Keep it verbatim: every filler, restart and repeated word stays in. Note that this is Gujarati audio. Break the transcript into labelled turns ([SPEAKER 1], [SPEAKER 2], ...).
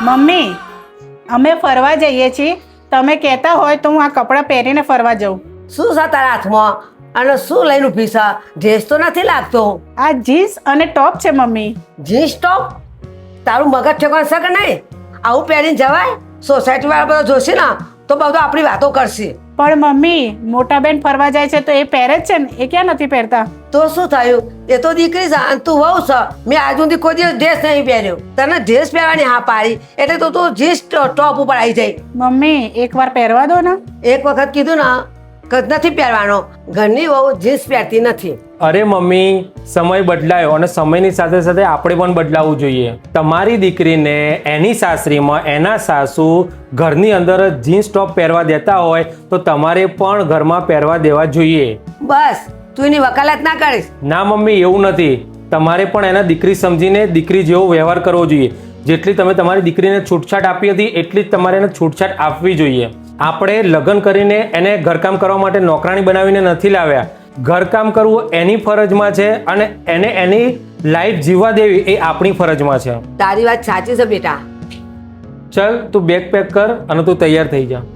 [SPEAKER 1] મમ્મી અમે ફરવા જઈએ છીએ, તમે કહેતા હોય તો હું આ કપડાં પહેરીને ફરવા જાઉં.
[SPEAKER 2] શું છે તારા હાથમાં અને શું લઈને ઊભી છે? ડ્રેસ તો નથી લાગતો.
[SPEAKER 1] આ જીન્સ અને ટોપ છે મમ્મી.
[SPEAKER 2] Jeans top? તારું મગજ ઠેકાણ છે કે નહીં? આવું પહેરીને જવાય? સોસાયટી વાળા બધા જોશે ને તો બધું આપણી વાતો કરશે.
[SPEAKER 1] પણ મમ્મી મોટા બેન ફરવા જાય છે તો એ પહેરે જ છે ને, એ ક્યાં નથી પહેરતા?
[SPEAKER 2] તો શું થયું? એ તો દીકરી છે અને તું વહુ છે. મેં આજ સુધી કોઈ દિવસ ડ્રેસ નહીં પહેર્યો. તને ડ્રેસ પહેરવાની હા પાડી એટલે તો તું જીન્સ ટોપ ઉપર આવી જાય.
[SPEAKER 1] મમ્મી એકવાર પહેરવા દો ને.
[SPEAKER 2] એક વખત કીધું ને કે નથી પહેરવાનો. ઘરની વહુ જીન્સ પહેરતી નથી.
[SPEAKER 3] અરે મમ્મી, સમય બદલાયો અને સમયની સાથે સાથે આપણે પણ બદલાવવું જોઈએ. તમારી દીકરીને એની સાસરીમાં એના સાસુ ઘરની અંદર જીન્સ ટોપ પહેરવા દેતા હોય તો તમારે પણ ઘરમાં પહેરવા દેવા જોઈએ.
[SPEAKER 2] બસ તું એની વકાલત ના કરીશ.
[SPEAKER 3] ના મમ્મી, એવું નથી. તમારે પણ એના દીકરી સમજીને દીકરી જેવો વ્યવહાર કરવો જોઈએ. જેટલી તમે તમારી દીકરીને છૂટછાટ આપી હતી એટલી જ તમારે એને છૂટછાટ આપવી જોઈએ. આપણે લગ્ન કરીને એને ઘરકામ કરવા માટે નોકરાણી બનાવીને નથી લાવ્યા. ઘરકામ કરવું એની ફરજમાં છે અને એને એની લાઈફ જીવવા દેવી એ આપણી ફરજમાં છે.
[SPEAKER 2] તારી વાત સાચી છે બેટા.
[SPEAKER 3] ચલ તું બેગ પેક કર અને તું તૈયાર થઈ જા.